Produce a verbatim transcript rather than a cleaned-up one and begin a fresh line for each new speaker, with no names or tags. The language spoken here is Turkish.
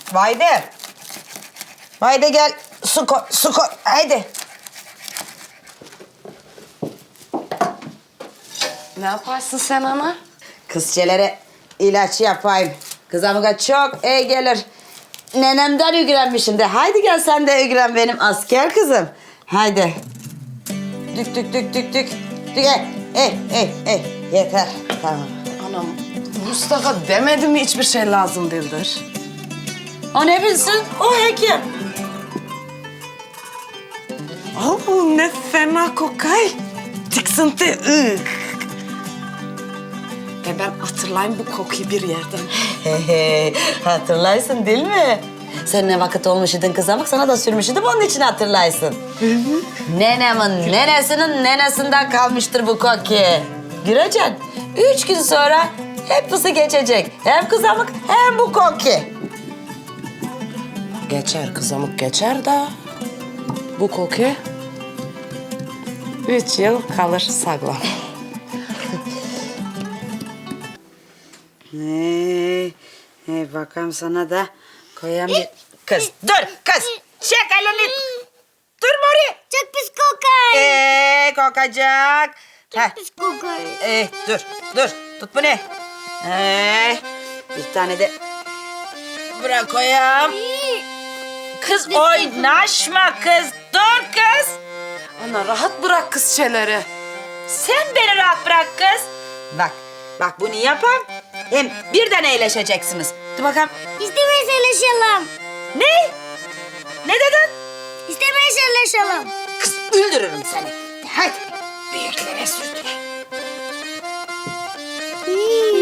Vayde. Vayde gel. Su koy, su koy. Haydi.
Ne yaparsın sen ana?
Kızçelere ilaç yapayım. Kızamıga çok iyi gelir. Nenemden ügrenmişim de. Haydi gel sen de ügren benim asker kızım. Haydi. Dük dük dük dük dük. Dük ey ey ey ey. Yeter. Tamam.
Anam, Mustafa demedi mi hiçbir şey lazım değildir?
O ne bilsin? O hekim.
Oo, ne fena kokay. Tiksinti. ıh. E ben hatırlayayım bu kokuyu bir yerden.
Hatırlarsın değil mi? Sen ne vakit olmuş idin kızamık, sana da sürmüş idim, onun için hatırlarsın. Nenemin nenesinin nenesinden kalmıştır bu koku. Göreceksin, üç gün sonra hepsi geçecek. Hem kızamık hem bu koku.
Geçer kızamık geçer de bu koku üç yıl kalır sağlam.
Hey, hey bakalım sana da koyayım bir... Kız dur kız, çek elini. Dur Mori.
Çok pis kokar.
Ee, kokacak. Heh.
Pis kokar.
Ee, dur, dur. Tut bunu. Ee, bir tane de bırak koyayım. Kız oynaşma kız. Dur kız.
Ana rahat bırak kız şeyleri.
Sen beni rahat bırak kız. Bak, bak bunu yapam. Hem birden eğleşeceksiniz. Dur bakalım.
İstemeyiz çalışalım.
Ne? Ne dedin?
İstemeyiz çalışalım.
Kız öldürürüm seni. Hadi. Büyüklere sürdüre.